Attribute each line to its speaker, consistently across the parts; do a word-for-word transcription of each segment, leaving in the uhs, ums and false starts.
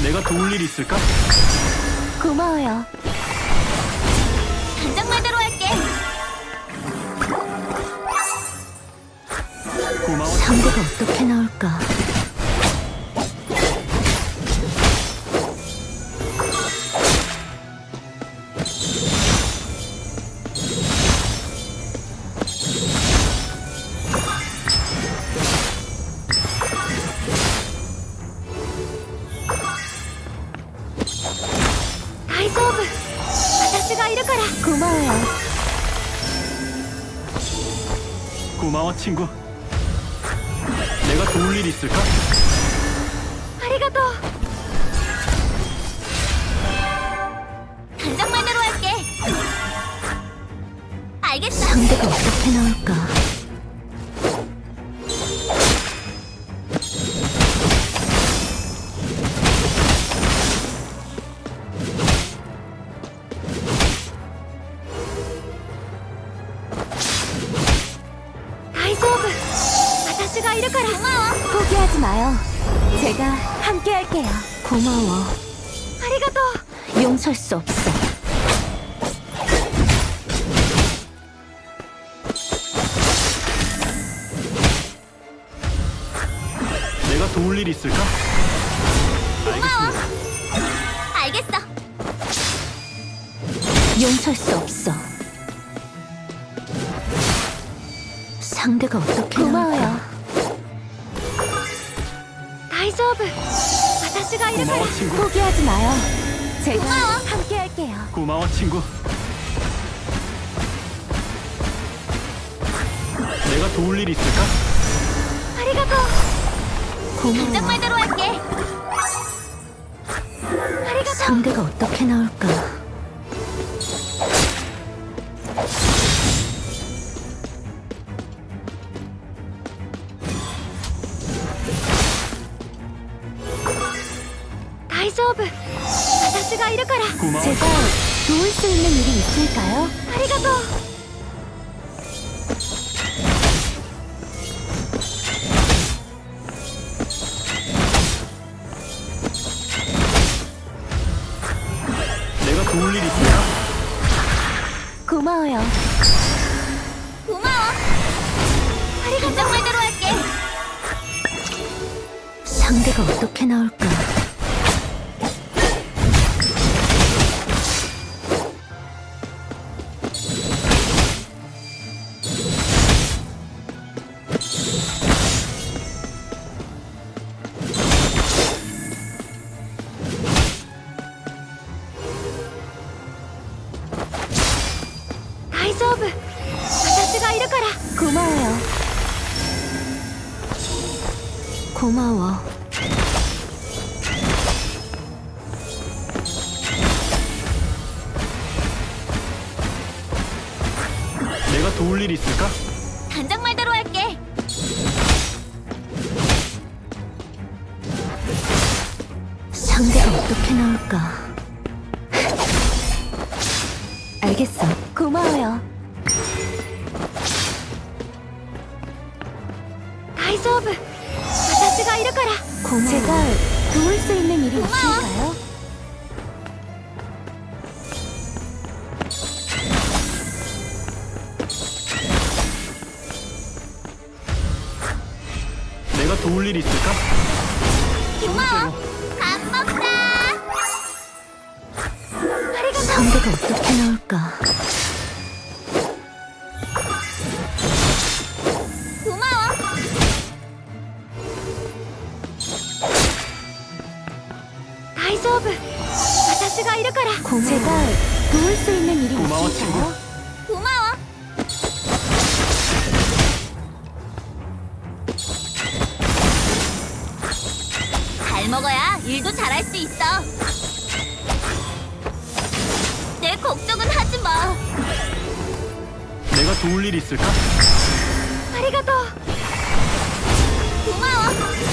Speaker 1: 내가 도울 일 있을까?
Speaker 2: 고마워요.
Speaker 3: 단장 말대로 할게.
Speaker 1: 고마워.
Speaker 2: 상대가 어떻게 나올까?
Speaker 3: 다이소브. 아저씨가 이럴 거라.
Speaker 2: 고마워요.
Speaker 1: 고마워 친구. 내가 도울 일 있을까?
Speaker 3: 아리가또. 단장 말대로 할게. 알겠어.
Speaker 2: 상대가 어떻게 나올까?
Speaker 3: 다이소브. 아저씨가 이럴 거라. 고마워.
Speaker 2: 포기하지 마요. 제가 함께 할게요. 고마워.
Speaker 3: 아리가또.
Speaker 2: 용서할 수 없어.
Speaker 1: 내가 도울 일 있을까?
Speaker 3: 고마워.
Speaker 1: 알겠습니다.
Speaker 3: 알겠어.
Speaker 2: 용서할 수 없어. 상대가 어떻게 고마워요. 나올까?
Speaker 3: 다이소브. 아저씨가 이럴
Speaker 1: 고마워
Speaker 3: 거라.
Speaker 1: 친구.
Speaker 2: 포기하지 마요. 제가
Speaker 3: 고마워.
Speaker 2: 함께 할게요.
Speaker 1: 고마워 친구. 내가 도울 일 있을까?
Speaker 3: 아리가또. 단장
Speaker 2: 고마워.
Speaker 3: 말대로 할게. 아리가또.
Speaker 2: 상대가 어떻게 나올까?
Speaker 3: 다이소브. 아저씨가 이럴 거라.
Speaker 1: 고마워.
Speaker 2: 제가 도울 수 있는 일이 있을까요?
Speaker 3: 아리가또.
Speaker 1: 내가 도울 일 있을까?
Speaker 2: 고마워요.
Speaker 3: 고마워. 아리가또. 단장 말대로 할게.
Speaker 2: 상대가 어떻게 나올까?
Speaker 3: 다이소브. 아저씨가 이럴 거라.
Speaker 2: 고마워요. 고마워.
Speaker 1: 내가 도울 일 있을까?
Speaker 3: 단장 말대로 할게.
Speaker 2: 상대가 어떻게 나올까? 알겠어. 고마워요.
Speaker 3: 다이소브. 아저씨가 이럴 거라.
Speaker 2: 고마워. 제가 도울 수 있는 일이
Speaker 3: 고마워.
Speaker 2: 있을까요?
Speaker 1: 내가 도울 일 있을까?
Speaker 3: 고마워. 밥 먹자. 아리가또.
Speaker 2: 상대가 어떻게 나올까?
Speaker 3: 고마워. 다이소브. 아저씨가 이럴 거라.
Speaker 2: 고마워. 제가 도울 수 있는 일이
Speaker 1: 고마워,
Speaker 2: 있을까요?
Speaker 3: 고마워. 잘 먹어야 일도 잘할 수 있어. 내 걱정은 하지 마.
Speaker 1: 내가 도울 일 있을까?
Speaker 3: 아리가또. 고마워.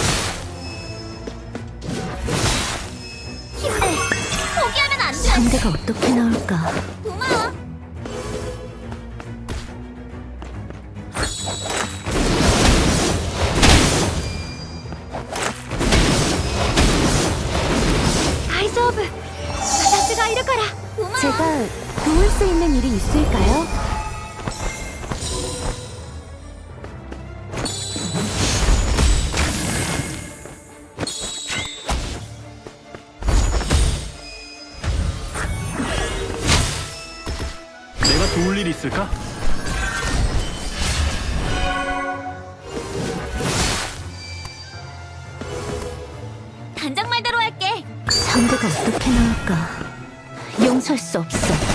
Speaker 3: 힘내. 포기하면 안 돼.
Speaker 2: 상대가 어떻게 나올까?
Speaker 3: 고마워.
Speaker 2: 수 있는 일이 있을까요?
Speaker 1: 내가 도울 일 있을까?
Speaker 3: 단장 말대로 할게.
Speaker 2: 상대가 어떻게 나올까? 용서할 수 없어.